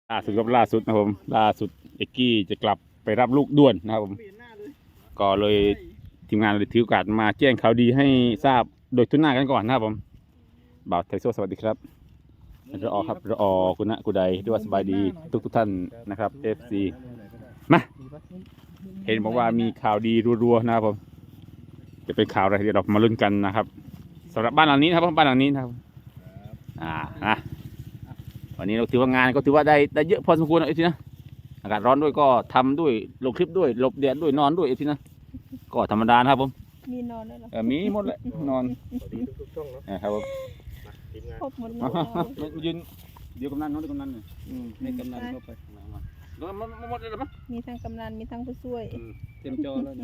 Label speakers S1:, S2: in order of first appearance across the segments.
S1: ล่าสุดนะครับผมล่าสุดเอกกี้จะกลับไปรับลูกด่วนนะครับผมก็เลยทีมงานเลยถือโอกาสมาแจ้งข่าวดีให้ทราบโดยทุนหน้ากันก่อนนะครับผมบ่าวไทโซสวัสดีครับรอครับรอคุณณะกุใดด้วยว่าสบายดีทุกท่านนะครับ FC มาเห็นบอกว่ามีข่าวดีรัวๆนะครับผมจะเป็นข่าวอะไรเดี๋ยวเรามาลุ้นกันนะครับสำหรับบ้านหลังนี้นะครับบ้านหลังนี้นะครับนะวันนี้เราถือว่างานก็ถือว่าได้เยอะพอสมควรไอ้ทีนะอากาศร้อนด้วยก็ทำด้วยลงคลิปด้วยหลบแดดด้วยนอนด้วยไอ้ทีนะก็ธรรมดานะครับผม
S2: มีนอนด้วยเหรอ
S1: มีหมดเลยนอน
S3: สวัสดีทุกช่องเนาะ
S1: ครับผม
S3: ทีมงาน
S2: ครบหมดเลย
S1: มายืนเดี๋ยวกำนันน้องเดี๋ยวกำนันเนี่ย
S4: ให้กำนันเข้าไป
S1: มาหมดเลยหรือเปล่า
S2: มีทั้งกำนันมีทั้งผู้ช่วย
S4: เต็มจอแล้วนี่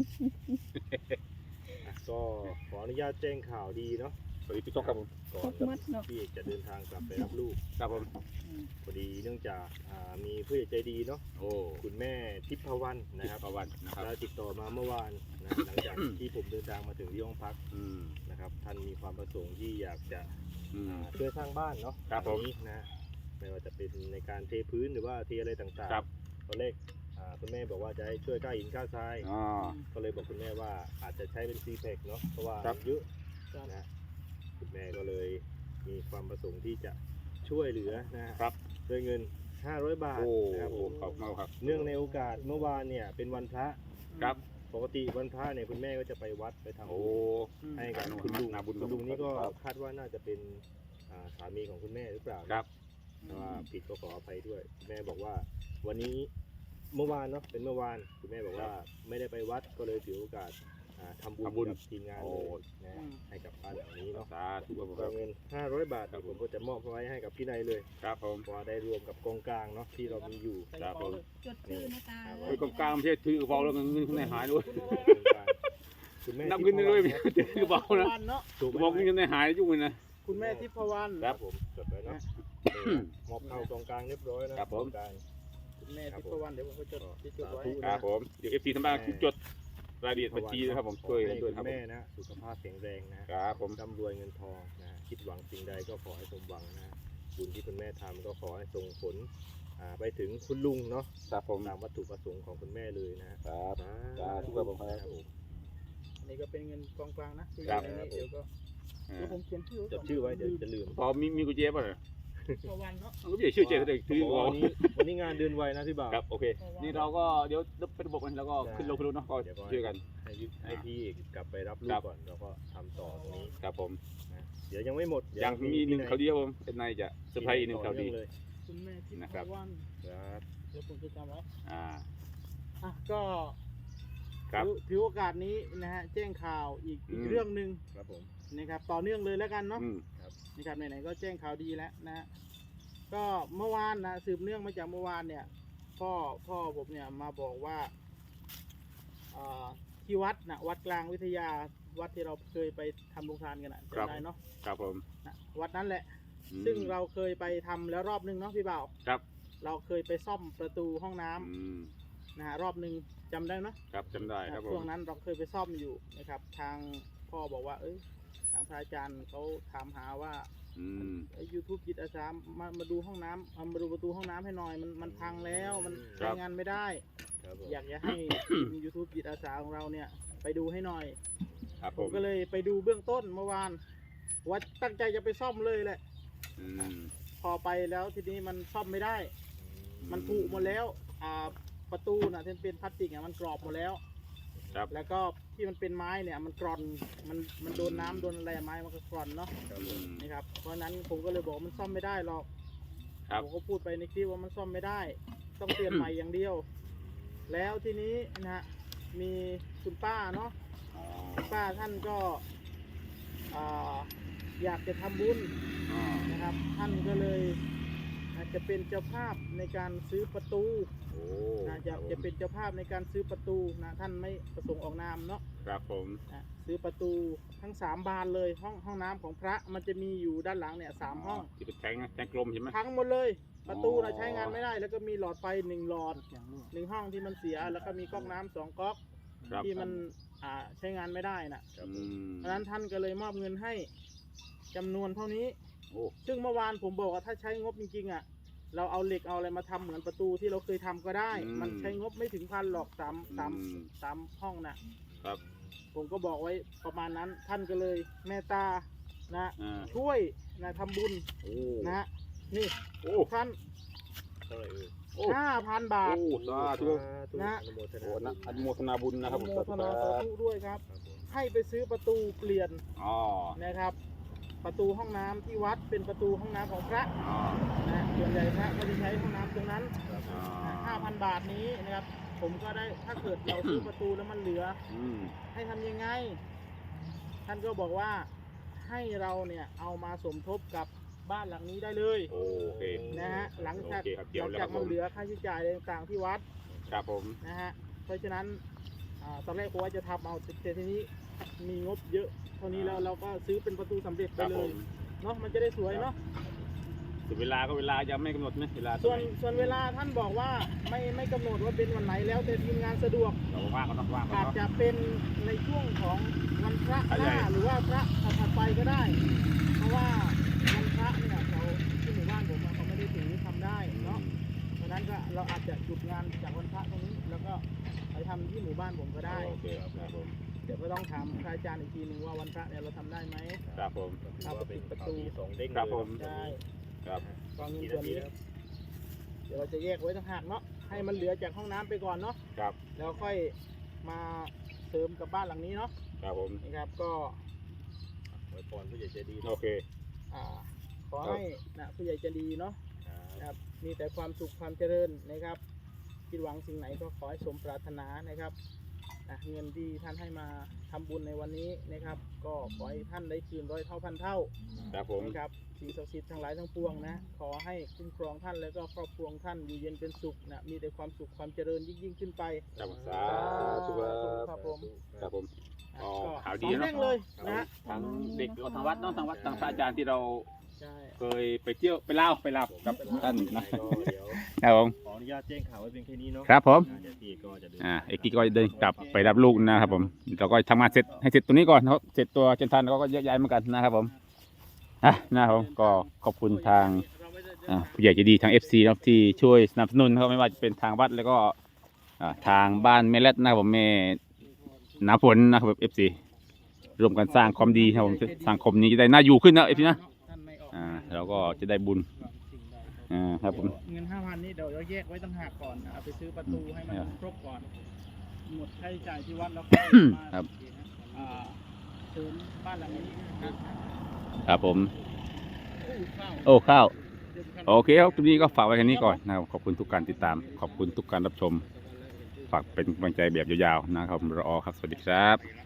S3: ก็ขออนุญาตแจ้งข่าวดีเนาะ
S1: สวัสดีพี่โต๊ะครับผม
S3: ก่อ
S2: คร
S3: น
S2: บหมดเนาะ
S3: พี่เอกจะเดินทางกลับไปรับลูก
S1: ครับผม
S3: พอดีเนื่องจากมีผู้ใหญ่ใจดีเนาะ
S1: โอ้
S3: คุณแม่ทิพวรรณนะครับ
S1: ประวัตินะครับ
S3: ได้ติดต่อมาเมื่อวานนะหลังจากที่ผมเดินทางมาถึงที่ห้องพักนะครับท่านมีความประสงค์ที่อยากจะช่วยสร้างบ้านเนาะ
S1: ครับผม
S3: นี้นะไม่ว่าจะเป็นในการเทพื้นหรือว่าเทอะไรต่าง
S1: ครับ
S3: ๆตอนแรกคุณแม่บอกว่าจะให้ช่วยก้าหินก้าทราย
S1: อ๋อ
S3: ก็เลยบอกคุณแม่ว่าอาจจะใช้เป็นซีแพคเนาะเพราะว่า
S1: ครับ
S3: เยอะนะคุณแม่ก็เลยมีความประสงค์ที่จะช่วยเหลือนะครับด้วยเงิน500 บาท
S1: โอ้
S3: นะครับผม
S1: ขอบคุณครับ
S3: เนื่องในโอกาสเมื่อวานเนี่ยเป็นวันพระ
S1: ครับ
S3: ปกติวันพระเนี่ยคุณแม่ก็จะไปวัดไปทำ
S1: โอ้
S3: บุญให้กับคุณลุง
S1: นาบุญ
S3: คุณลุงนี่ก็
S1: ครับ
S3: คาดว่าน่าจะเป็นสามีของคุณแม่หรือเปล่า
S1: ครับ
S3: แต่ว่าผิดก็ขออภัยด้วยคุณแม่บอกว่าวันนี้เมื่อวานเนาะเป็นเมื่อวานคุณแม่บอกว่าไม่ได้ไปวัดก็เลยถือโอกาสทำบุญกับทีมงานเลยนะให้กับบ้านหลังนี้เนาะ
S1: สาธุครับผม
S3: ก็เงิน500 บาทผมก็จะมอบไว้ให้กับพี่นายเลย
S1: ครับผม
S3: เพราะว่าได้รวมกับกองกลางเนาะที่เรามีอยู่
S1: ครับผม
S2: จดชื่อนะตา
S1: ไอ้กองกลางไม่ใช่ถือกระเป๋าแล้วเงินข้างในหายด้วย
S3: คุณแม่
S1: นับเงินด้วยไม่ใช่ถือกระเป๋านะ
S4: เนาะ
S3: ถูก
S1: บอกเงินในหายยุ่งเลยนะ
S4: คุณแม่ทิพวรรณ
S3: ครับผมจดไว้เนาะมอบเข้ากองกลางเรียบร้อยนะครับ
S1: ผม
S3: กองกลาง
S4: คุณแม่ทิพวรรณเดี๋ยวผมก็จดที่จดไว้
S1: ครับผมเดี๋ยว FC ทั้งบ้านจดรายละเอียดบัญชีนะครับผมช่วยกันด้วยครับ
S3: แม่นะสุขภาพแข็งแรงนะ
S1: ครับผม
S3: ร่ำรวยเงินทองนะคิดหวังสิ่งใดก็ขอให้สมหวังนะบุญที่คุณแม่ทำก็ขอให้ส่งผลไปถึงคุณลุงเนาะ
S1: ครับผม
S3: ตามวัตถุประสงค์ของคุณแม่เลยนะครับ
S1: สาธุครับผมครับ
S4: อันนี้ก็เป็นเงินกองกลางนะที่
S1: ครับ
S4: เดี๋ยวก็เดี๋ยวผมเขียนชื่อ
S3: จดชื่อไว้เดี๋ยวจะลืม
S1: พอมีกุญแจป่ะเนี่ย
S4: ทิพวรรณเนาะ
S1: มันก็ไม่ใช่ชื่อเจก็ได้ถือกระ
S3: วั
S1: เป๋าน
S3: นี้งานเดินไวนะพี่บ่าว
S1: ครับโอเคนี่เราก็เดี๋ยวเป็นระบบกันแล้วก็ขึ้นลงเนาะก็ช่วยกัน
S3: ให้พี่กลับไปรับลู
S1: ครั
S3: ก
S1: บ
S3: ก่อนแล้วก็ทำต่อตรงนี้
S1: ครับผม
S3: นะเดี๋ยวยังไม่หมด
S1: ยังมีหนึ่งข่าวดีครับผมเป็นนายจะเซอร์ไพรส์อีกหนึ่งข่าวดี
S3: เลย
S4: คุณแม่ทิพ
S1: นะครับ
S4: วรรณ
S3: ครับ
S4: เดี๋ยวผมจะจำไว้
S1: อ่า
S4: อ่ะก็
S1: ครับ
S4: ถือโอกาสนี้นะฮะแจ้งข่าวอีกเรื่องหนึ่ง
S3: ครับผม
S4: นะครับต่อเนื่องเลยแล้วกันเนาะ
S1: อืม
S4: นะครับไหนๆก็แจ้งข่าวดีแล้วนะฮะก็เมื่อวานนะสืบเนื่องมาจากเมื่อวานเนี่ยพ่อผมเนี่ยมาบอกว่าที่วัดนะวัดกลางวิทยาวัดที่เราเคยไปทำโรงทานกันนะจำได้เนาะ
S1: ครับผม
S4: นะวัดนั้นแหละ
S1: อืม
S4: ซึ่งเราเคยไปทำแล้วรอบนึงเนาะพี่บ่าว
S1: ครับ
S4: เราเคยไปซ่อมประตูห้องน้ำ
S1: อืม
S4: นะฮะรอบนึงจำได้เนาะ
S1: ครับจำได้ครับผ
S4: ช่ว
S1: ม
S4: งนั้นเราเคยไปซ่อมอยู่นะครับ ทางพ่อบอกว่า ทางพระอาจารย์เขาถามหาว่า
S1: อืม
S4: ยูทูบจิตอาสามาดูห้องน้ำมาดูประตูห้องน้ำให้หน่อยมันพังแล้วมันใช้งานไม่ได้
S3: ครับผม
S4: อยากจะให้ ยูทูบจิตอาสาของเราเนี่ยไปดูให้หน่อย
S1: ครับผ
S4: ผม
S1: ม
S4: ก็เลยไปดูเบื้องต้นเมื่อวานว่าตั้งใจจะไปซ่อมเลยแหละ
S1: อืม
S4: พอไปแล้วทีนี้มันซ่อมไม่ได้ มันผุหมดแล้วประตูน่ะที่เป็นพลาสติกอ่ะมันกรอบหมดแล้ว
S1: ครับ
S4: แล้วก็ที่มันเป็นไม้เนี่ยมันกร่อนมันโดนน้ำโดนอะไรไม้มันก็กร่อนเนาะ
S3: ครับผ
S1: อื
S3: ม
S1: ม
S4: นะครับเพราะฉะนั้นผมก็เลยบอกมันซ่อมไม่ได้หรอก
S1: ครับ
S4: ผมก็พูดไปในคลิปว่ามันซ่อมไม่ได้ ต้องเปลี่ยนใหม่อย่างเดียว แล้วทีนี้นะฮะมีคุณป้าเนาะ
S1: อ๋อ
S4: คุณป้าท่านก็อยากจะทำบุญ
S1: อ๋อ
S4: นะครับ ท่านก็เลยอาจจะเป็นเจ้าภาพในการซื้อประตู
S1: โอ้
S4: นะจะเป็นเจ้าภาพในการซื้อประตูนะท่านไม่ประสงค์ออกนามเนาะ
S1: ครับผม
S4: นะซื้อประตูทั้ง3 บานเลยห้องน้ำของพระมันจะมีอยู่ด้านหลังเนี่ย3 ห้อง
S1: ที่เป็นแทงกลมใช่ไหม
S4: พังหมดเลย ประตู
S1: อ๋
S4: นะ
S1: อ
S4: ใช้งานไม่ได้ แล้วก็มีหลอดไฟ1 หลอด1 ห้องที่มันเสีย แล้วก็มีก๊อกน้ำ2 ก๊อก
S1: ครับ
S4: ที่มันใช้งานไม่ได้นะ
S1: อืม
S4: เพราะฉะนั้นท่านก็เลยมอบเงินให้จำนวนเท่านี้
S1: โอ้
S4: ซึ่งเมื่อวานผมบอกว่าถ้าใช้งบจริงๆเราเอาเหล็กเอาอะไรมาทำเหมือนประตูที่เราเคยทำก็ได้ มันใช้งบไม่ถึง1,000หรอกสามห้องนะครับ ผมก็บอกไว้ประมาณนั้นท่านก็เลยเมตตานะ ช่วยนะทำบุญ
S1: โอ้
S4: นะฮะนี่
S1: โอ้
S4: ท่าน
S3: เท่าไหร่เอ่ย
S1: โอ้
S4: 5,000 บาท
S1: โอ้สาธุ
S4: นะ
S3: อนุโมท
S1: โอ้
S3: นา
S1: นะอนุโมทนาบุญนะครับผม
S4: โมทนาสาธุด้วยครับ
S3: ครับผม
S4: ให้ไปซื้อประตูเปลี่ยน
S1: อ๋อ
S4: นะครับ ประตูห้องน้ำที่วัดเป็นประตูห้องน้ำของพระ
S1: อ๋อ
S4: นะส่วนใหญ่พระก็จะใช้ห้องน้ำตรงนั้น
S3: ครับผม
S4: 5,000 บาทนี้นะครับ ผมก็ได้ถ้าเกิดเราซื้อประตูแล้วมันเหลือ
S1: อืม
S4: ให้ทำยังไง ท่านก็บอกว่าให้เราเนี่ยเอามาสมทบกับบ้านหลังนี้ได้เลย
S1: โอเค
S4: นะฮะหลังจาก
S1: โอเคครับเกี่ยวแล้วครับ
S4: มันเหลือค่าใช้จ่ายอะไรต่างๆที่วัด
S1: ครับผม
S4: นะฮะเพราะฉะนั้นตอนแรกผมว่าจะทำเอาแต่ทีนี้มีงบเยอะเท่านี้แล้วเราก็ซื้อเป็นประตูสำเร็จ
S1: ค
S4: ไป
S1: รับ
S4: เล
S1: ผ
S4: ย
S1: ม
S4: เนาะมันจะได้สวยเนาะ
S1: ส่วนเวลาก็เวลายังไม่กำหนดไหมเวลา
S4: ส่วนเวลาท่านบอกว่าไม่กำหนดว่าเป็นวันไหนแล้วแต่ทีมงานสะดวก
S1: เราว่างก็ต้องว่างก็
S4: อาจ
S1: เนาะ
S4: จะเป็นในช่วงของวันพระ
S1: พระ
S4: ห
S1: ใหญ่
S4: น้าหรือว่าพระถัดไปก็ได้ เพราะว่าวันพระเนี่ยเขาที่หมู่บ้านผมอะเขาไม่ได้ถือทำได้เนาะเพราะฉะนั้นก็เราอาจจะหยุดงานจากวันพระตรงนี้ แล้วก็ไปทำที่หมู่บ้านผมก็ได้
S1: โอเคครับผม
S4: เดี๋ยวก็ต้องถามพระอาจารย์อีกทีหนึ่งว่าวันพระเนี่ยเราทำได้ไหม
S1: ครับผม
S3: ก็ถือว่าเป็นข่าวดีสองเด้ง
S1: ครับผม
S3: เลย
S4: ได้
S1: ครับ
S4: กองเงิน
S3: กี่
S4: ส่ว
S3: นาน ที
S4: นี้
S3: ครับ
S4: เดี๋ยวเราจะแยกไว้ต่างหากเนาะให้มันเหลือจากห้องน้ำไปก่อนเนาะ
S1: ครับ
S4: แล้วค่อยมาเสริมกับบ้านหลังนี้เนาะ
S1: ครับผม
S4: นะครับก็
S3: อวยพรผู้ใหญ่ใจดี
S1: โอเค
S4: อ่าขอให้นะผู้ใหญ่ใจะดีเนาะ
S3: ครับ
S4: นะครับมีแต่ความสุขความเจริญนะครับคิดหวังสิ่งไหนก็ขอให้สมปรารถนานะครับนะเงินที่ท่านให้มาทำบุญในวันนี้นะครับ ก็ขอให้ท่านได้คืนร้อยเท่าพันเท่า
S1: ครับผม
S4: นะครับสิ่งศักดิ์สิทธิ์ทั้งหลายทั้งปวงนะขอให้คุ้มครองท่านแล้วก็ครอบครัวของท่านอยู่เย็นเป็นสุขนะมีแต่ความสุขความเจริญยิ่งขึ้นไป
S1: ครับสาธุค
S4: ค
S1: รั
S4: รั
S1: บบ
S4: ผม
S1: ครับผม อ๋อ
S4: ก็
S1: ข่าวดี
S4: สอง
S1: เนอะ
S4: เด้งเลยนะฮะ
S1: ทางเด็กก็ทางวัดเนาะทางวัดทางพระอาจารย์ที่เรา
S4: ใช่
S1: เคยไปเที่ยวไปเล่ากับท่านนะ
S3: ก็เดี๋ยว
S1: ครับผม
S3: ขออนุญาตแจ้งข่าวไว้เพียงแค่นี้เนาะ
S1: ครับผม
S3: เดี๋ยวพี่ก็จะเดิน
S1: เอกกี้ก็เดินกลับไปรับลูกนะครับผมเราก็ทำงานเสร็จให้เสร็จตัวนี้ก่อนเขาเสร็จตัวเจนทันเราก็แยกย้ายเหมือนกันนะครับผมนะครับผมก็ขอบคุณทางผู้ใหญ่ใจดีทาง FC นะครับที่ช่วยสนับสนุนนะครับไม่ว่าจะเป็นทางวัดแล้วก็ทางบ้านแม่เล็ดนะครับผมแม่น้ำฝนนะครับ FC ร่วมกันสร้างความดีนะครับผมสังคมนี้จะได้น่าอยู่ขึ้นนะ FC นะเราก็จะได้บุญครับผม
S4: เงิน 5,000 นี่เดี๋ยวเราแยกไว้ต่างหากก่อนเอาไปซื้อประตูให้มันครบก่อนหมดค่าใช้จ่ายที่วัดแล้วก็มา
S1: ครับ
S4: เสริมบ้านหลังนี้นะครับ
S1: ครับผม
S4: ข้าว
S1: โอ้ข้าว
S4: เดี๋ยวกัน
S1: โอเคครับคลิปนี้ก็ฝากไว้แค่นี้ก่อนนะครับขอบคุณทุกการติดตาม ขอบคุณทุกการรับชม ฝากเป็นกำลังใจแบบยาวๆนะครับรอครับ สวัสดีครับ